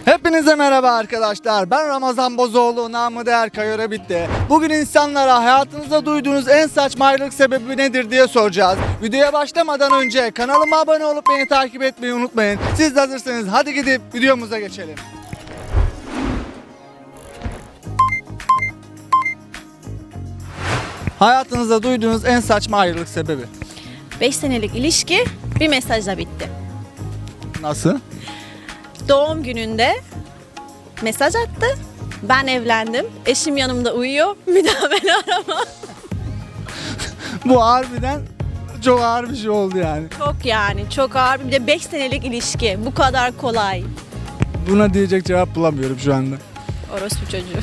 Hepinize merhaba arkadaşlar. Ben Ramazan Bozoğlu, namı değer Kayora Bitti. Bugün insanlara hayatınızda duyduğunuz en saçma ayrılık sebebi nedir diye soracağız. Videoya başlamadan önce kanalıma abone olup beni takip etmeyi unutmayın. Siz de hazırsanız hadi gidip videomuza geçelim. Hayatınızda duyduğunuz en saçma ayrılık sebebi. 5 senelik ilişki bir mesajla bitti. Nasıl? Doğum gününde mesaj attı. Ben evlendim. Eşim yanımda uyuyor. Bir daha beni arama. Bu harbiden çok ağır bir şey oldu yani. Çok ağır. Bir de 5 senelik ilişki. Bu kadar kolay. Buna diyecek cevap bulamıyorum şu anda. Orospu çocuğu.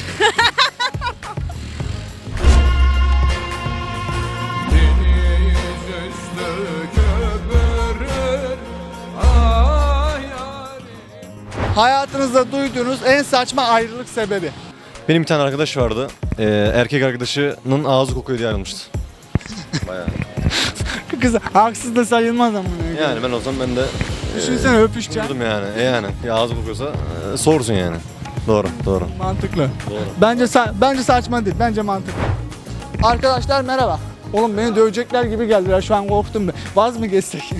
Hayatınızda duyduğunuz en saçma ayrılık sebebi. Benim bir tane arkadaş vardı. Erkek arkadaşının ağzı kokuyor diye ayrılmıştı. Bayağı. Kız haksız da sayılmaz ama. Yani ben olsam ben de Düşünsene öpüşeceksin. durdum yani. Yani bir ağzı kokuyorsa sorsun yani. Doğru. Mantıklı. Doğru. Bence saçma değil. Bence mantıklı. Arkadaşlar merhaba. Oğlum beni dövecekler gibi geldiler. Şu an korktum ben. Vaz mı geçsek?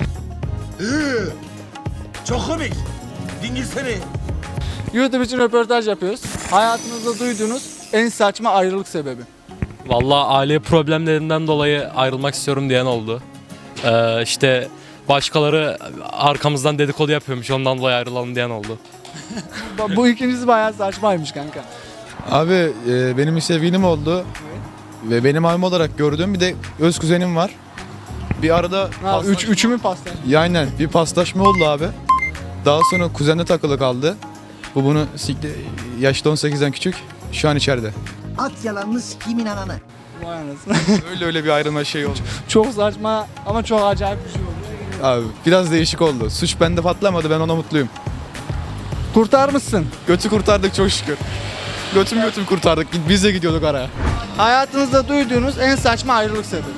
Çok komik. Dingirsene. YouTube için röportaj yapıyoruz. Hayatınızda duyduğunuz en saçma ayrılık sebebi. Vallahi aile problemlerinden dolayı ayrılmak istiyorum diyen oldu. İşte başkaları arkamızdan dedikodu yapıyormuş, ondan dolayı ayrılalım diyen oldu. Bu ikincisi bayağı saçmaymış kanka. Abi benim bir sevgilim oldu ve benim abim olarak gördüğüm bir de öz kuzenim var. Bir arada Üçü mü pasta? aynen bir paslaşma oldu abi. Daha sonra kuzenle takılı kaldı. Bu bunu sikti, yaşta 18'den küçük, şu an içeride. At yalanını sikimin ananı. Vay anasını. Öyle bir ayrılma şey oldu. Çok saçma ama çok acayip bir şey oldu. Abi biraz değişik oldu. Suç bende patlamadı, ben ona mutluyum. Kurtarmışsın. Götü kurtardık çok şükür. Götüm kurtardık. Biz de gidiyorduk araya. Hayatınızda duyduğunuz en saçma ayrılık sebebi.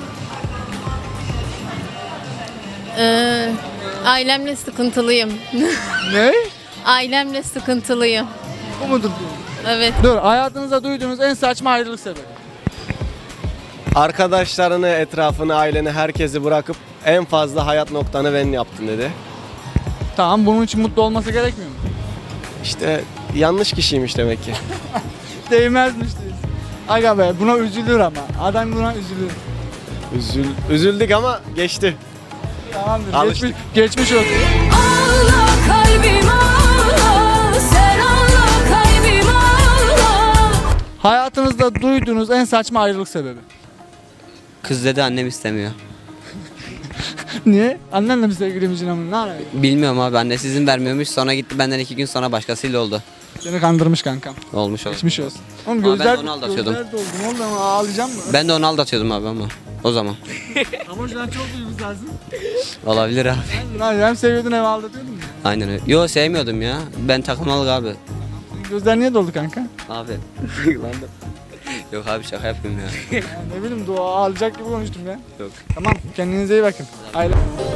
Ailemle sıkıntılıyım. Ne? Ailemle sıkıntılıyım. Bu mudur? Evet. Dur, hayatınızda duyduğunuz en saçma ayrılık sebebi. Arkadaşlarını, etrafını, aileni, herkesi bırakıp en fazla hayat noktanı ben yaptım dedi. Tamam, bunun için mutlu olması gerekmiyor mu? İşte yanlış kişiymiş demek ki. Değmezmiş diyorsun. Aga be, buna üzülür ama. Adam buna üzülür. Üzüldük ama geçti. Tamamdır. Alıştık. Geçmiş olsun. Ağla kalbim ağla, sen ağla kalbim ağla. Hayatınızda duyduğunuz en saçma ayrılık sebebi. Kız dedi annem istemiyor. Niye? Annenle mi sevgiliymişsin ama ne alaka? Bilmiyorum abi, annesi izin vermiyormuş, sonra gitti benden 2 gün sonra başkasıyla oldu. Seni kandırmış kankam. Olmuş oldu. Geçmiş olsun. Oğlum Ama ben gözler, de onu aldatıyordum. gözler doldu. Ne oldu ama ağlayacağım mı? Ben de onu aldatıyordum abi ama o zaman. Ama şu an çok duygusalsın. Olabilir abi. Hem seviyordun hem aldatıyordun mu? Aynen öyle. Yo, sevmiyordum ya. Ben takılmalık abi. Gözler niye doldu kanka? Abi. Yok abi, şaka yapıyorum ya. Ya ne bileyim, dua ağlayacak gibi konuştum ya. Yok. Tamam, kendinize iyi bakın. Aile.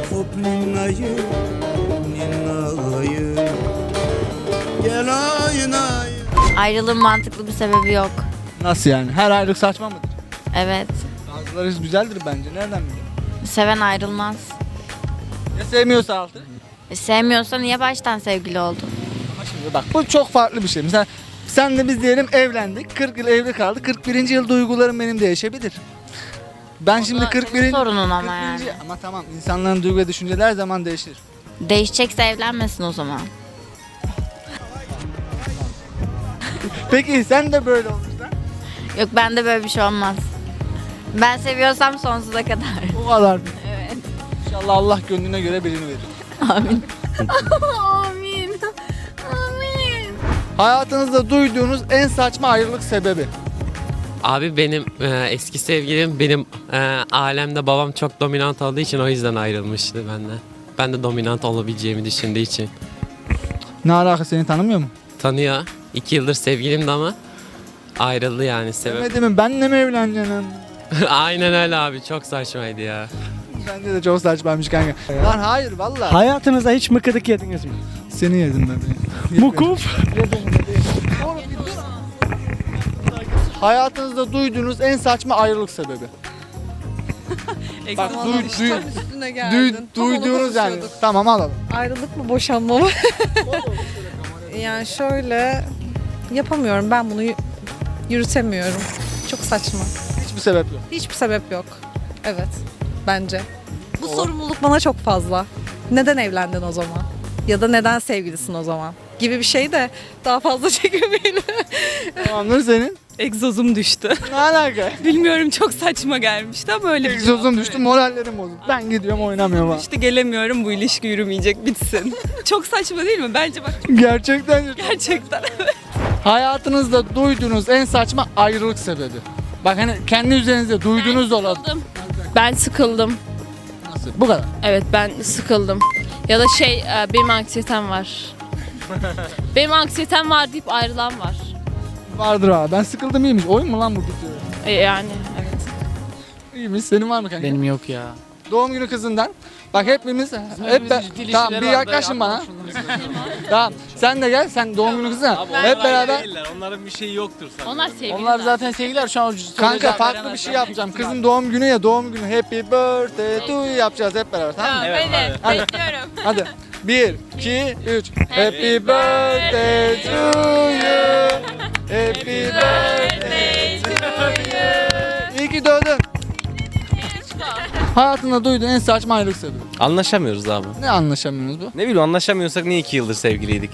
Ayrılığın mantıklı bir sebebi yok. Nasıl yani? Her ayrılık saçma mıdır? Evet. Bazıları güzeldir bence. Nereden biliyorsun? Seven ayrılmaz. Ya sevmiyorsa altı? Sevmiyorsa niye baştan sevgili oldun? Ama şimdi bak, bu çok farklı bir şey. Mesela sen de biz diyelim evlendik. 40 yıl evli kaldık. 41. yıl duygularım benim değişebilir. Ben şimdi 41. sorunun ama 41. yani. Ama tamam, insanların duygu ve düşünceleri her zaman değişir. Değişecekse evlenmesin o zaman. Peki sen de böyle olursan? Yok, bende böyle bir şey olmaz. Ben seviyorsam sonsuza kadar. O kadar. Evet. İnşallah Allah gönlüne göre birini verir. Amin. Amin. Amin. Hayatınızda duyduğunuz en saçma ayrılık sebebi. Abi benim eski sevgilim, benim alemde babam çok dominant olduğu için o yüzden ayrılmıştı benden. Ben de dominant olabileceğimi düşündüğü için. Ne alaka, seni tanımıyor mu? Tanıyor. 2 yıldır sevgilimdi ama ayrıldı yani sebep. Demedi mi benle mi evleneceksin? Aynen öyle abi, çok saçmaydı ya. Bence de çok saçmaymış kanka. Lan hayır vallahi. Hayatınızda hiç mıkıdık yediniz mi? Seni yedim ben. Mukuf. Hayatınızda duyduğunuz en saçma ayrılık sebebi. Bak duyduğunuz yani. Tamam alalım. Ayrılık mı boşanma mı? Yani şöyle yapamıyorum ben bunu yürütemiyorum. Çok saçma. Hiçbir sebep yok. Hiçbir sebep yok. Evet bence. Bu sorumluluk bana çok fazla. Neden evlendin o zaman? Ya da neden sevgilisin o zaman? Gibi bir şey de daha fazla çekemeyelim. Tamamdır senin. Egzozum düştü. Ne alaka? Bilmiyorum çok saçma gelmişti ama öyle Egzozum düştü, morallerim bozuldu. Ben gidiyorum oynamıyorum ha. İşte gelemiyorum bu ilişki yürümeyecek bitsin. Çok saçma değil mi? Bence bak Gerçekten. gerçekten. Hayatınızda duyduğunuz en saçma ayrılık sebebi. Bak hani kendi üzerinizde duyduğunuz da olabilir. Ben sıkıldım. Nasıl? Bu kadar. Evet ben sıkıldım. Ya da benim anksiyetem var. Benim anksiyetem var deyip ayrılan var. Vardır ha. Ben sıkıldım iyiymiş. Oyun mu lan bu bitiyor? Yani evet. İyiymiş. Senin var mı kanka? Benim yok ya. Doğum günü kızından. Bak hepimiz tamam bir yaklaşın bana. Tamam sen de gel sen doğum günü kızına. Hep beraber. Onların bir şeyi yoktur sana. Onlar sevgili. Onlar zaten sevgiler şu an. Kanka farklı bir şey yapacağım. Kızın doğum günü ya doğum günü happy birthday to you yapacağız hep beraber tamam mı? Hadi. Bekliyorum. Hadi. 1, 2, 3. Happy birthday to you. Happy birthday to you. İyi ki doğdun. Hayatında duyduğun en saçma ayrılık sebebi. Anlaşamıyoruz abi. Ne anlaşamıyorsunuz bu? Ne bileyim anlaşamıyorsak niye 2 yıldır sevgiliydik?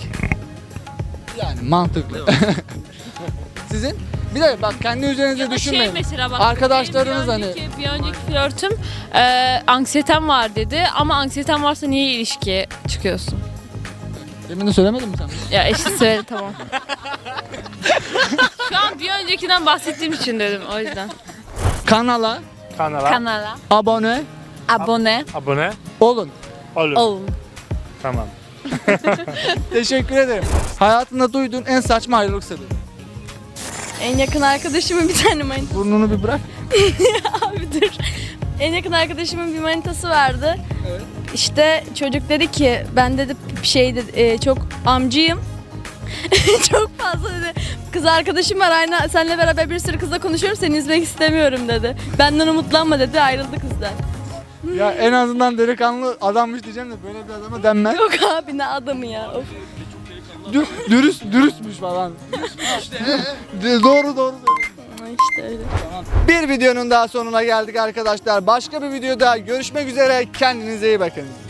Yani mantıklı. Sizin? Bir de bak kendi üzerinize düşünmeyin. mesela bak. Arkadaşlarınız hani Bir önceki flörtüm anksiyetem var dedi ama anksiyetem varsa niye ilişkiye çıkıyorsun? demin de söylemedin mi sen? Ya eşit söyledi tamam. Şu an bir öncekinden bahsettiğim için dedim o yüzden. Kanala Kanala abone abone olun. olun. Teşekkür ederim. Hayatında duyduğun en saçma ayrılık sebebi. En yakın arkadaşımın bir tane manitası. Burnunu bir bırak. Abi dur. En yakın arkadaşımın bir manitası vardı. Evet. İşte çocuk dedi ki ben dedi çok amcıyım. Çok fazla dedi. Kız arkadaşım var aynı seninle beraber bir sürü kızla konuşuyorum seni üzmek istemiyorum dedi. Benden umutlanma dedi ayrıldı kızdan. Ya en azından delikanlı adammış diyeceğim de böyle bir adama denmez. Yok abi ne adamı ya. Of. Dürüstmüş falan. Doğru. İşte öyle. Bir videonun daha sonuna geldik arkadaşlar. Başka bir videoda görüşmek üzere. Kendinize iyi bakın.